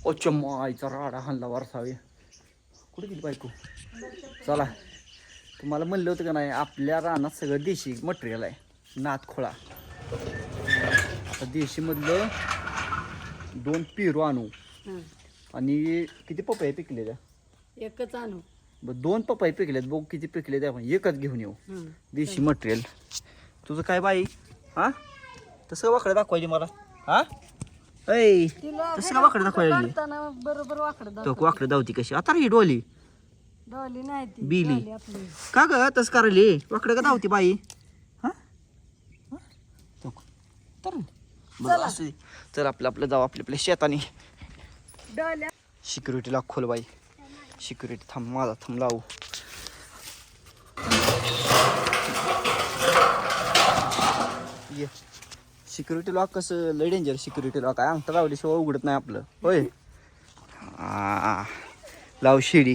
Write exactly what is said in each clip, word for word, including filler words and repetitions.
ओच्या माईचा राडा हाणला वारसावे. कुठे गेली बायको? चला, तुम्हाला म्हणलं होतं का नाही, आपल्या रानात सगळं देशी मटेरियल आहे. नातखोळा. आता देशीमधलं दोन पेरू आणू आणि किती पपई पिकलेल्या? एकच आणू. बरं, दोन पपई पिकल्यात. बघू किती पिकले ते आपण एकच घेऊन येऊ. देशी मटेरियल. तुझं काय बाई? हा, तसं वाकडं दाखवायची मला. हा ऐ, तसं का वाकडं दाखवायची? बरोबर वाकडं तो वाकडं दावती कशी? आता ही डोली डॉली नाही ती बिली डॉली आपली. का ग तसं करायली? वाकडं का धावती बाई? हा तर बरं असू दे. चल आपलं आपलं जाऊ आपल्या आपल्या शेताने. डॉल्या सिक्युरिटीला खोल बाई. सिक्युरिटी थांब, माझा थांब लावू. ये सिक्युरिटी लॉक कसं लय डेंजर. सिक्युरिटी लॉक आहे, अंगठा लावल्याशिवाय उघडत नाही आपलं. होय, आ लाव शिडी.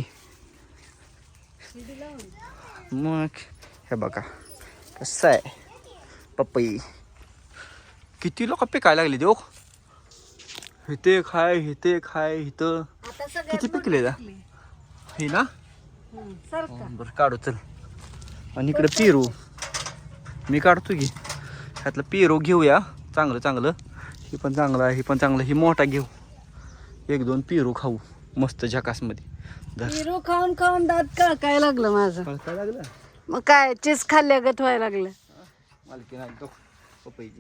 मग हे बघा कसं आहे पपई. किती लोक पिकायला लागले देऊ. इथे खाय इथे खाय इथं. किती पिकले का हे ना? बरं काढू चल. आणि इकडे पेरू मी काढतो की. ह्यातलं पेरू घेऊया चांगलं चांगलं. ही पण चांगलं आहे, ही पण चांगलं. ही मोठा घेऊ. एक दोन पेरू खाऊ मस्त झकासमध्ये. पेरू खाऊन खाऊन दात कळकाय लागलं माझं. काय लागलं? मग काय चीज खाल्ल्यागत व्हायला लागलं. मालकी नाही तो पपईची.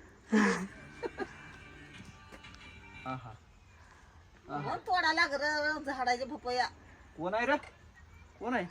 तोडा लागलं झाडाचे पपया. कोण आहे रे? कोण आहे?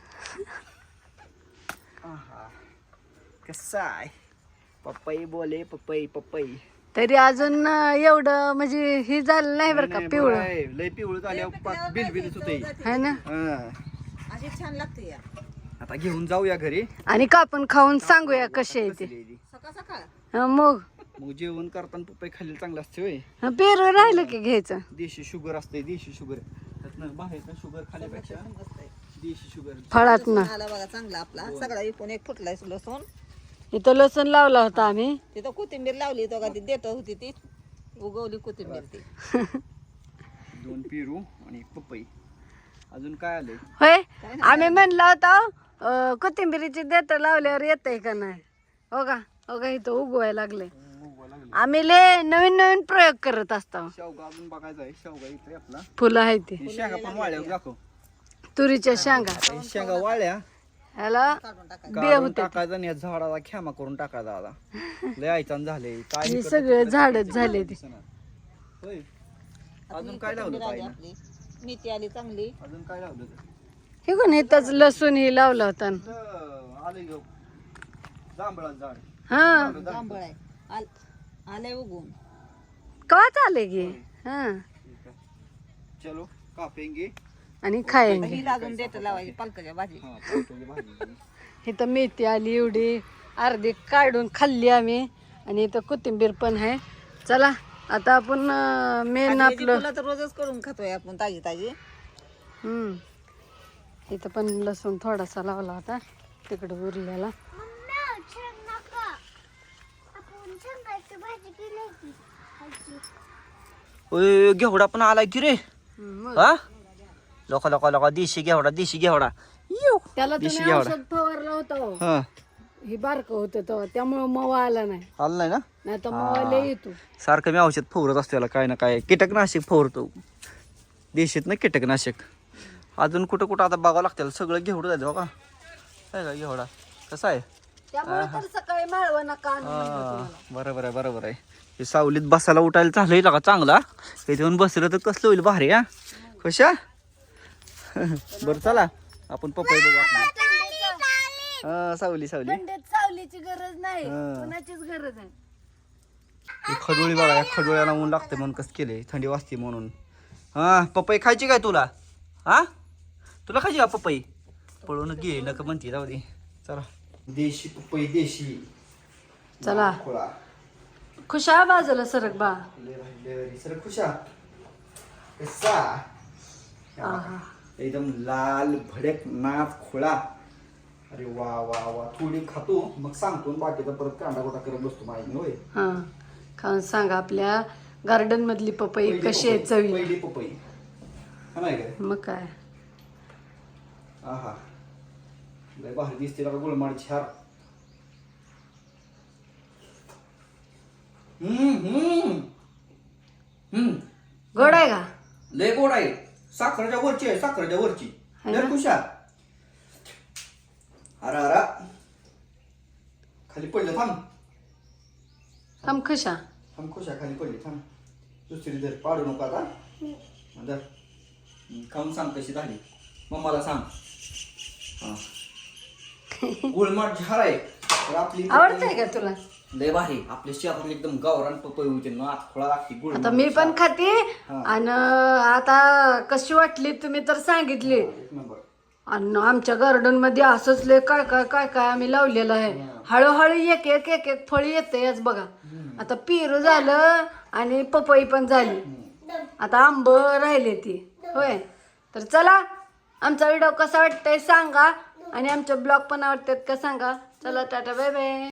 कसा आहे पपई? बोले पपई पपई. तरी अजून एवढं म्हणजे हे झालं नाही बरं का पिवळं. लय पिवळं झाल्या बिल बिलच होते है ना. अशी छान लागते या. आता घेऊन जाऊया घरी आणि कापून खाऊन सांगूया कशी आहे ते. सकाळ सकाळ हं, मग मग जेवण करताना पपई खाल्ली चांगलं असते. होय, हं, पेरू राहिलं की घ्यायचं. देशी शुगर असते. देशी शुगर बाहेर शुगर खाण्यापेक्षा देशी शुगर. फळात ना आला बघा चांगला आपला सगळा इकून एक फुटलाय लसूण. इथं लसूण लावला होता आम्ही. तिथं कोथिंबीर लावली तो का ती देत होती ती उगवली कोथिंबीर ती. दोन पेरू आणि पपई. अजून काय आलंय? होय, आम्ही म्हणलं होतं कोथिंबीरीची देत लावल्यावर येतंय का नाही. हो का हो का इथं उगवायला लागले. आम्ही लय नवीन नवीन प्रयोग करत असतो. शेवगा अजून बघायचा आहे. शेवगा इथे आपला फुलं आहे ती. शेंगा पण वाळल्या दाखव. तुरीच्या शेंगा शेंगा वाळल्या ह्याला बिया काढून होते. टाकायचा आणि या झाडाला खेमा करून टाकायचा. आता लय आयचान झाले काय हे सगळे झाडच झाले ते. होय, अजून काय लावलं आली ताईनं? आपली मेथी आली चांगली. अजून काय लावलं? हे कोण इथंच लसूण ही लावला होता. आले घेऊ जांभळाचं झाड. हा जांभळ आहे आल- आलंय उगवून. कवा चाले गे. हा ठीक आहे, चलो कापेंगे. आणि खायंगे. ही लागून देत लावायची पालकाच्या भाजी. हा, पावट्याची भाजी. इथं मेथी आली एवढी अर्धी काढून खाल्ली आम्ही. आणि इथं कोथिंबीर पण आहे. चला आता आपण मेन आणि याची आपलं फुलं तर रोजच करून खातोय आपण ताजी ताजी. हम्म इथं पण लसूण थोडासा लावला होता तिकडे उरलेला. ओय, घेवडा पण आलाय की रे. हम्म, हा, लोका लोका लोका देशी घेवडा देशी घेवडा. येऊ. त्याला देशी तुम्ही घेवडा. औषध फवारलं होतं. हा, हे बारकं होतं तेव्हा त्यामुळे मवा आला नाही. आलं नाही ना. नाही तर मवा लय येतो. सारखं मी औषध फवारत असतो याला काय ना काय. कीटकनाशक फवारतो देशीत ना कीटकनाशक. अजून कुठं कुठं आता बघावं लागतं. सगळं घेवडं जायचं बघा. काय का घेवडा कसा आहे? त्यामुळे तर सकाळी माळवा नका आणू म्हणलं हा, तुम्हाला. बरोबर आहे बरोबर आहे. हे सावलीत बसायला उठायला चाललंय का चांगला. इथे येऊन बसलं तर कसलं होईल भारी. हा कशा. बरं चला आपण पपई बघू आपली. हा, सावली सावली. थंडीत सावलीची गरज नाही, हा. कोणाचीच गरज आहे. ही खडोळी बघा. या खडोळ्याला ऊन लागते म्हणून कसं केलंय. थंडी वाजते म्हणून. हा, पपई खायची काय तुला? हा, तुला खायची का पपई? पळून घे नका म्हणते. जाऊ दे चला. देशी पपई देशी. चला खोळा खुशा बाजूला सरक बा. सर खुशा कसा. आहा. एकदम लाल भडक नाच खोळा. अरे वा वा वा. थोडी खातो मग सांगतो बाकीचा परत कांदा गोटा करत बसतो माहिती. होय, हा खाऊन सांगा आपल्या गार्डन मधली पपई कशी आहे चवी पहिली पपई हा नाही काय मग काय आहा लय भारी दिसते का गुळमाड छार हम्म हम्म हम्म गोड आहे का लय गोड आहे साखरेच्या वरची आहे साखरेच्या वरची है ना? लय खुशा अरा अरा खाली पडलं थांब थांब कशा थांब खुशा खाली पडली थांब दुसरी जर पाडू नको आता धर. हम्म, खाऊन सांग कशी झाली मम्माला सांग हा गुळमाट झार आहे तर आपली आवडतंय का तुला लय भारी आपल्या शहरात एकदम गावरान पपई होते ना खोळा लागते गुळ आता मी पण खाते हा. आणि आता कशी वाटली तुम्ही तर सांगितली एक नंबर आणि आमच्या गार्डन मध्ये असंच लय काय काय काय काय आम्ही लावलेलं आहे हळूहळू एक एक एक एक फळ येते याच बघा आता पेरू झालं आणि पपई पण झाली आता आंब राहिले ती होय तर चला आमचा व्हिडिओ कसा वाटतंय सांगा आणि आमचे ब्लॉग पण आवडतात का सांगा चला टाटा बाय बाय